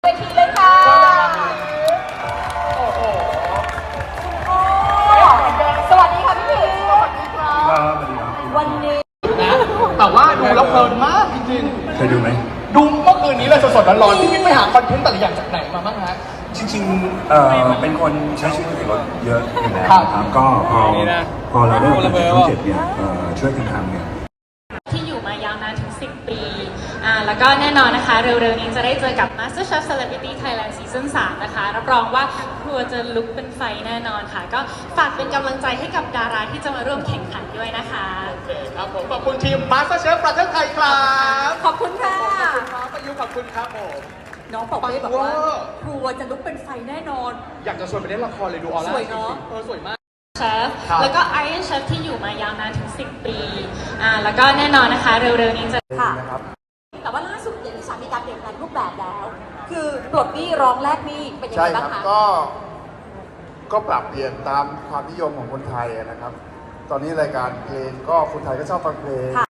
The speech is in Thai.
เวทีเลยค่ะสวัสดีค่ะพี่พิมสวัสดีครับวันนี้นะแต่ว่าดูแล้วเพลินมากจริงเคยดูไหมๆดูเมื่อคืนนี้เลยสดๆร้อนๆพี่มิ้นไปหาคอนเทนต์แต่ละอย่างจากไหนมาบ้างฮะจริงๆเป็นคนใช้ชีวิตอยู่ในรถเยอะอยู่แล้วครับครับก็พอเราได้มาจากช่องเจ็ดเนี่ยช่วยกันทำเนี่ยที่อยู่มายาวนานถึง 10 ปีแล้วก็แน่นอนนะคะเร็วๆนี้จะได้เจอกับ MasterChef Celebrity Thailand Season 3 นะคะรับรองว่าครัวจะลุกเป็นไฟแน่นอนค่ะก็ฝากเป็นกำลังใจให้กับดาราที่จะมาร่วมแข่งขันด้วยนะคะโอเคครับผมขอบคุณทีม MasterChef ประเทศไทยครับขอบคุณค่ะครับประยุทธ์ขอบคุณครับผมน้องบอกได้บอกว่าครัวจะลุกเป็นไฟแน่นอนอยากจะชวนไปเล่นละครเลยดูออร่าสวยเนอะสวยมากเชฟครับแล้วก็ Iron Chef ที่อยู่มายาวนานถึง 10 ปีแล้วก็แน่นอนนะคะเร็วๆนี้จะค่ะแต่ว่าล่าสุดอย่างที่สามีการเปลี่ยนแปลงรูปแบบแล้ว คือปลดหนี้ร้องแรกหนี้เป็นยังใช่ไงคบ้ารังบคะก็ปรับเปลี่ยนตามความนิยมของคนไทยนะครับ ตอนนี้รายการเพลงก็คนไทยก็ชอบฟังเพลง